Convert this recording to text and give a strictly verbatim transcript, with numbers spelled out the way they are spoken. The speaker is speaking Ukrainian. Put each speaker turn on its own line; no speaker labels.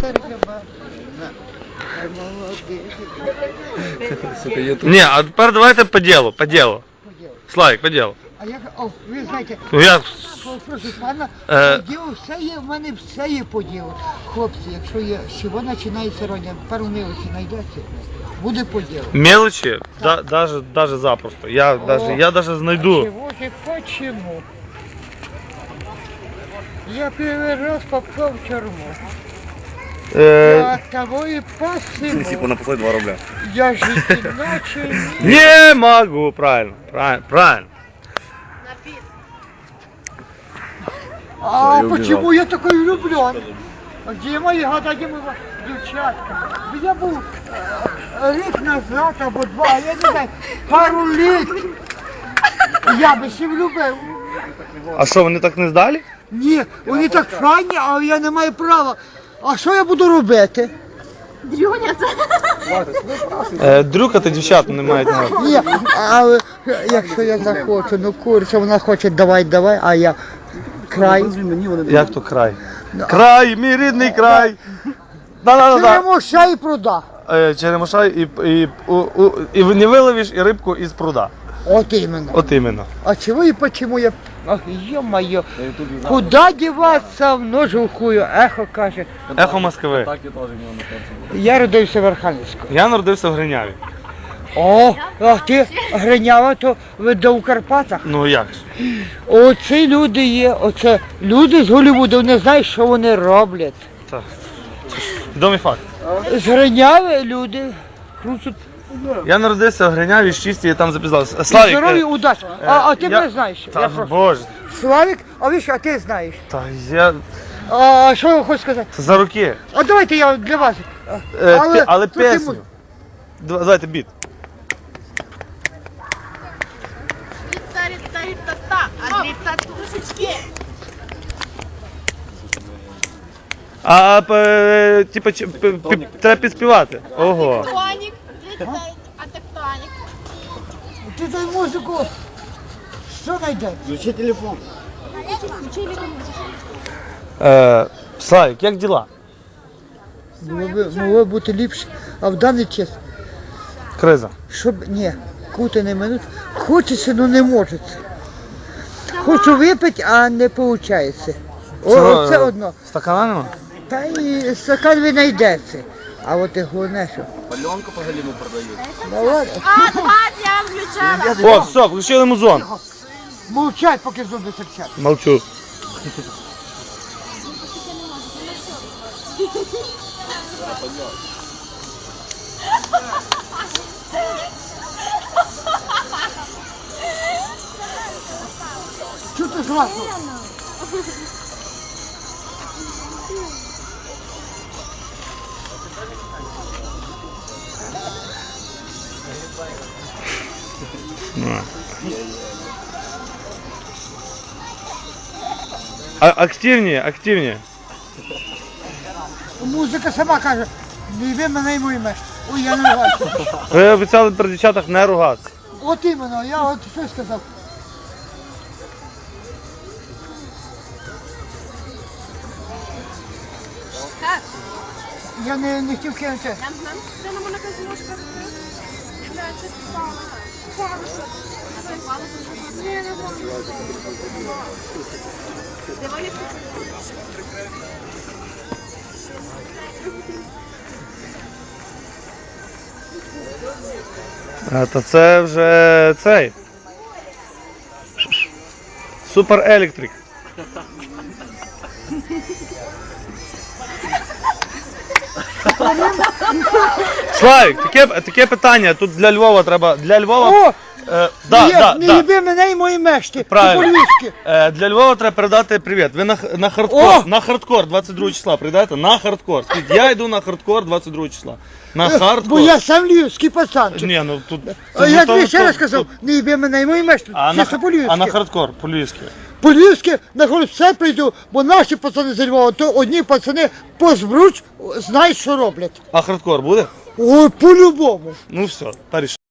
Ні, а тепер давайте по ділу, по ділу. Славік, по ділу.
А як, о, ви знаєте,
Ну, я...
прошу пана,
Е.
по ділу все є, в мене все є по ділу. Хлопці, якщо є, з чого починається роня, пару милочі знайдеться, буде по ділу.
Мелочі, да, даже, даже запросто. Я
О,
даже, я даже знайду.
Чего же, почему? Я первый раз попал в тюрьму. Я
Е,
от того и посему.
Типу написали два рубля.
Я жить иначе не...
не могу, правильно, правильно, правильно.
А
Я
почему
убежал.
я такой влюблен? Где мои года, где мои девчатка? Я был э, рік назад або два, я не знаю, пару літ. Я би ще влюбив.
А що, вони так не здали?
Ні, вони так файні, а я не маю права. А що я буду робити?
Дрюняться.
Е, дрюкати дівчат не мають на.
Ні, але якщо я захочу, ну курча, вона хоче давай, давай, а я край.
Як то край? Край, мій рідний край. Да-да-да.
Черемоша і пруда.
Е, Черемоша і, і, у, у, і не виловиш і рибку із пруда.
От іменно.
От іменно.
А чего и почему я... Ах, ё-моё, куда деваться в ножу хую, ехо каже.
Ехо Москви.
Так я теж в нього на серці.
Я родився в Архангельську.
Я народився в Гриняві.
О, а ти Гринява, то ви до у Карпатах.
Ну як ж?
Оці люди є, оце люди з Голлівуду, не знають, що вони роблять.
Так. Відомий факт.
З Гриняви люди крутять.
Я народився в Гриняві, з чисті, я там запізнався. Славік.
Здоров'я,
е,
удачі.
е,
А, а ти
я-
не знаєш.
Та
Я просто...
боже.
Славік, а ви що, а ти знаєш?
Та я...
А що я хочу сказати?
За руки.
А давайте я для вас.
Е, але, але
трохи
пісню.
му-
Два- Давайте біт.
Та-та-та-та-та, а дві татушечки.
А, е, типа, чи- п- п- треба підспівати. Ого.
Тектонік. А тектонік.
Ти дай музику. Що знайде?
Включи телефон.
Е, Славік, як діла?
Могло би, могло бути ліпше, а в даний час,
Криза.
щоб, ні, кути не минуть, хочеться, але не може. Хочу випити, а не виходить. О,
Чого,
це
е,
одно.
Стакана нема?
Та і стакан ви знайдеться. А от і головне, що.
Пальонку по галіну продають.
Ну ладно,
А, два я включала.
О, все, включили музон.
мовчать, поки зуби серчать.
Молчу.
Чого ти зразу?
Ну. А, активніше, активніше.
Музика сама каже, не йди мене й моїме. Ой, я не бачу.
Ви обіцяли при дівчатах не ругатися.
От іменно, я от що сказав.
Так.
Я не, не хотів кинути.
Там нам це на мене якась ложка. Бля, це впало. Впало. Це впало. Ні, не впало. Давай я
А, то це вже цей. Супер електрик. Славік, таке, таке питання, тут для Львова треба, для Львова,
О!
е, да,
не
да,
не
да.
їби мене і мої мешки.
Правильно.
По-львівськи.
Е, для Львова треба передати привіт. Ви на, х- на хардкор,
О!
на хардкор двадцять другого числа прийдете? На хардкор. Скажіть, я йду на хардкор двадцять другого числа. На хардкор.
Бо я сам львівський пацан.
Ні, ну тут...
А
тут
я
то-
тобі ще
то-
раз сказав,
тут-
не їби мене і мої мешки.
А на,
Чисто
х- а на
по-львівськи.
хардкор, по-львівськи.
По-львівськи на все прийду, бо наші пацани з Львова, то одні пацани по збруч знають, що роблять.
А хардкор буде?
Ой, по-любому.
Ну все, та рішення.